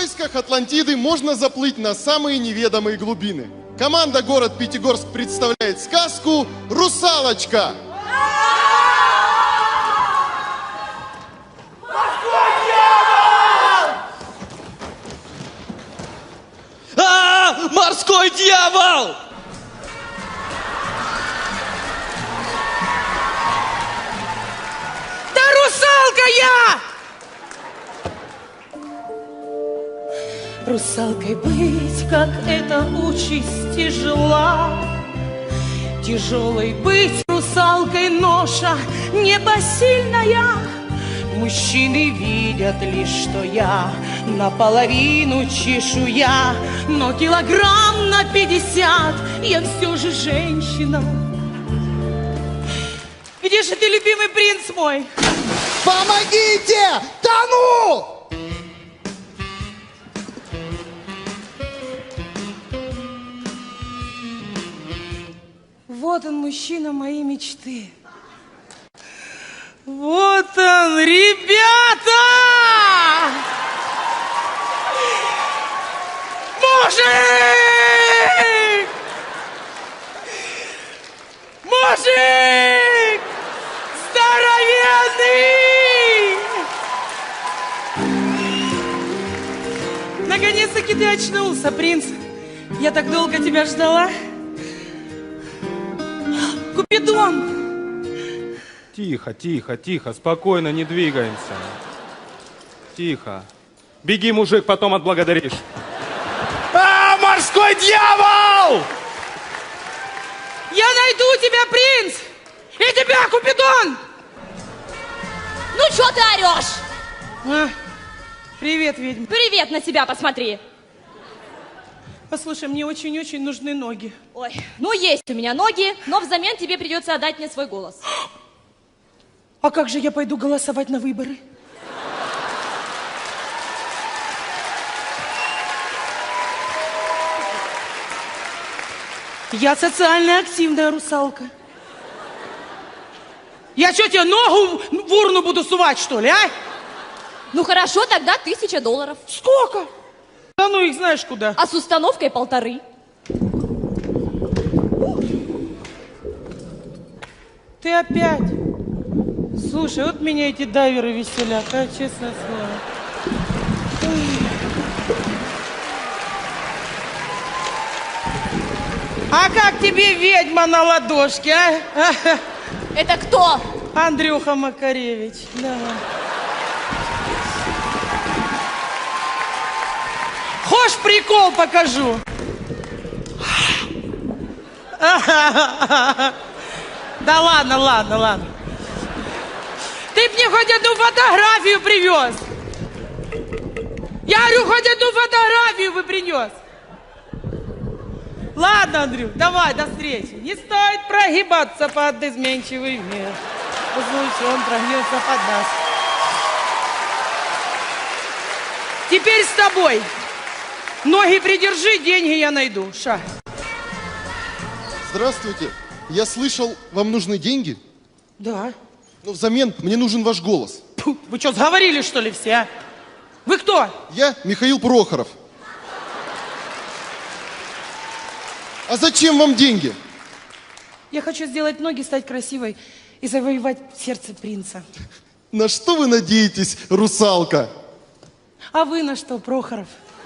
поисках Атлантиды можно заплыть на самые неведомые глубины. Команда «Город Пятигорск» представляет сказку «Русалочка». Морской дьявол! Да русалка я! Русалкой быть, как эта участь тяжела. Тяжелой быть русалкой ноша непосильная. Мужчины видят лишь, что я наполовину чешуя, но килограмм на 50 я все же женщина. Где же ты, любимый принц мой? Помогите! Тону! Вот он, мужчина моей мечты. Вот он, ребята! Мужик! Мужик! Здоровенный! Наконец-таки ты очнулся, принц. Я так долго тебя ждала. Купидон! Тихо, тихо, тихо, спокойно, не двигаемся. Тихо. Беги, мужик, потом отблагодаришь. Морской дьявол! Я найду тебя, принц! И тебя, Купидон! Ну, что ты орешь? Привет, ведьма. Привет, на себя посмотри. Послушай, мне очень-очень нужны ноги. Ой, ну есть у меня ноги, но взамен тебе придется отдать мне свой голос. А как же я пойду голосовать на выборы? Я социально активная русалка. Я что, тебе ногу в урну буду сувать, что ли, а? Ну хорошо, тогда $1000. Сколько? Да ну их знаешь куда. А с установкой 1,5. Ты опять? Слушай, вот меня эти дайверы веселят, а, честное слово. А как тебе ведьма на ладошке, а? Это кто? Андрюха Макаревич, да. Хочешь, прикол покажу? Да ладно, ладно, ладно. Ты б мне хоть одну фотографию привез. Я говорю, хоть одну фотографию бы принес. Ладно, Андрюх, давай, до встречи. Не стоит прогибаться под изменчивый мир. В случае он прогнется под нас. Теперь с тобой. Ноги придержи, деньги я найду. Ша. Здравствуйте. Я слышал, вам нужны деньги? Да. Но взамен мне нужен ваш голос. Фу, вы что, сговорились, что ли, все, а? Вы кто? Я Михаил Прохоров. А зачем вам деньги? Я хочу сделать ноги, стать красивой и завоевать сердце принца. На что вы надеетесь, русалка? А вы на что, Прохоров?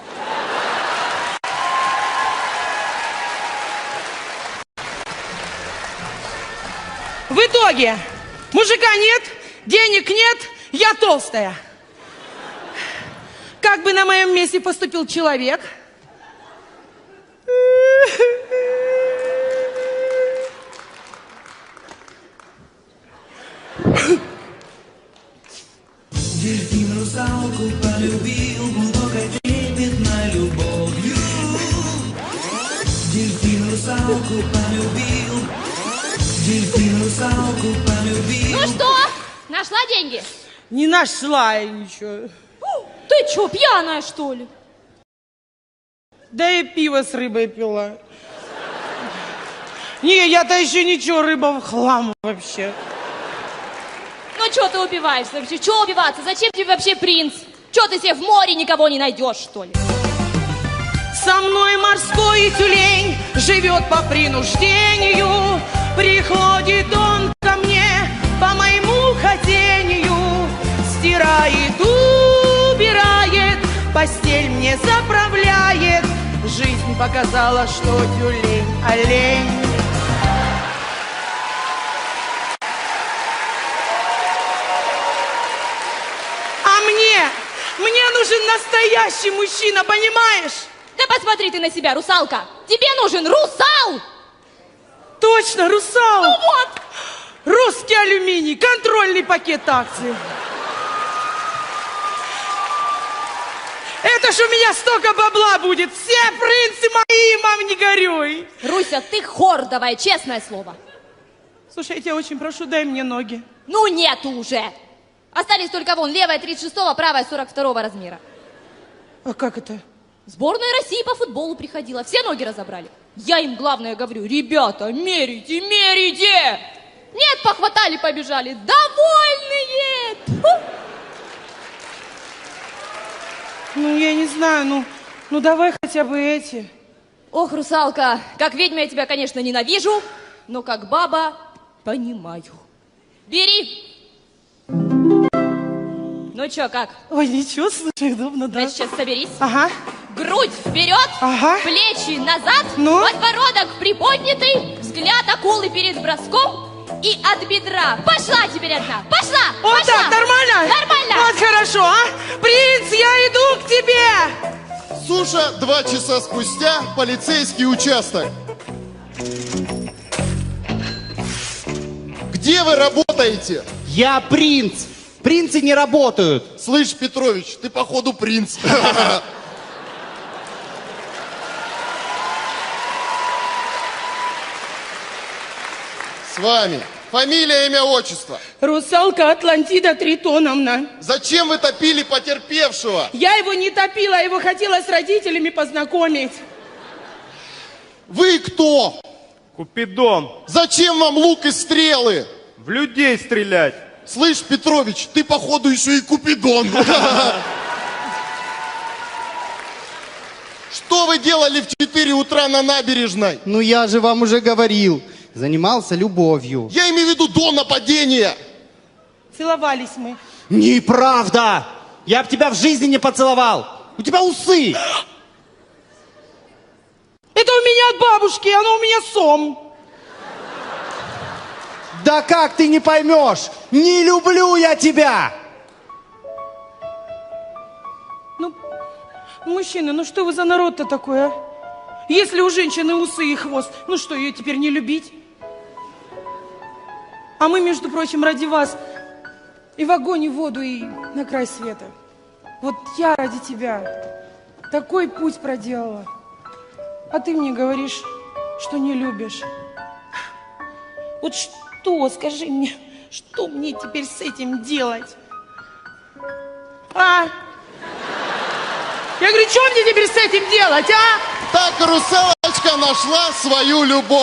В итоге мужика нет, денег нет, я толстая. Как бы на моем месте поступил человек? Дельфин русалку полюбил глубокой трепетной любовью. Дельфин русалку полюбил. Дельфин русалку полюбил. Ну что, нашла деньги? Не нашла я ничего. Ты что, пьяная, что ли? Да и пиво с рыбой пила. Не, я-то еще ничего, рыба в хлам вообще. Ну что ты убиваешься вообще? Чего убиваться? Зачем тебе вообще принц? Че ты себе в море никого не найдешь, что ли? Со мной морской тюлень живет по принуждению. Приходит он ко мне по моему хотению. Стирает, убирает, постель мне заправляет. Жизнь показала, что тюлень олень. А мне нужен настоящий мужчина, понимаешь? Да посмотри ты на себя, русалка. Тебе нужен русал. Точно, русал. Ну вот. Русский алюминий, контрольный пакет акций. Это ж у меня столько бабла будет. Все принцы мои, мам, не горюй. Руся, ты хор давай, честное слово. Слушай, я тебя очень прошу, дай мне ноги. Ну нету уже. Остались только вон, левая 36-го, правая 42-го размера. А как это? Сборная России по футболу приходила, все ноги разобрали. Я им главное говорю, ребята, мерите, мерите. Нет, похватали, побежали. Довольные. Тьфу. Ну, я не знаю, ну давай хотя бы эти. Ох, русалка, как ведьма я тебя, конечно, ненавижу, но как баба понимаю. Бери. Ну чё, как? Ой, ничего, слушай, удобно, да? Значит, сейчас соберись. Ага. Грудь вперед, Ага. плечи назад, Ну? подбородок приподнятый, взгляд акулы перед броском и от бедра. Пошла теперь одна, пошла, Вот пошла. так, нормально? Нормально. Вот хорошо, а? Принц, я иду к тебе! Суша, 2 часа спустя, полицейский участок. Где вы работаете? Я принц. Принцы не работают. Слышь, Петрович, ты походу принц. С вами. Фамилия, имя, отчество. Русалка Атлантида Тритоновна. Зачем вы топили потерпевшего? Я его не топила, я его хотела с родителями познакомить. Вы кто? Купидон. Зачем вам лук и стрелы? В людей стрелять. Слышь, Петрович, ты походу еще и Купидон. Что вы делали в 4 утра на набережной? Ну я же вам уже говорил. Занимался любовью. Я имею в виду до нападения. Целовались мы. Неправда! Я б тебя в жизни не поцеловал. У тебя усы. Это у меня от бабушки, оно у меня сом. Да как ты не поймешь? Не люблю я тебя! Ну, мужчины, ну что вы за народ-то такой, а? Если у женщины усы и хвост, ну что, ее теперь не любить? А мы, между прочим, ради вас и в огонь, и в воду, и на край света. Вот я ради тебя такой путь проделала. А ты мне говоришь, что не любишь. Вот что, скажи мне, что мне теперь с этим делать? А? Я говорю, что мне теперь с этим делать, а? Так русалочка нашла свою любовь.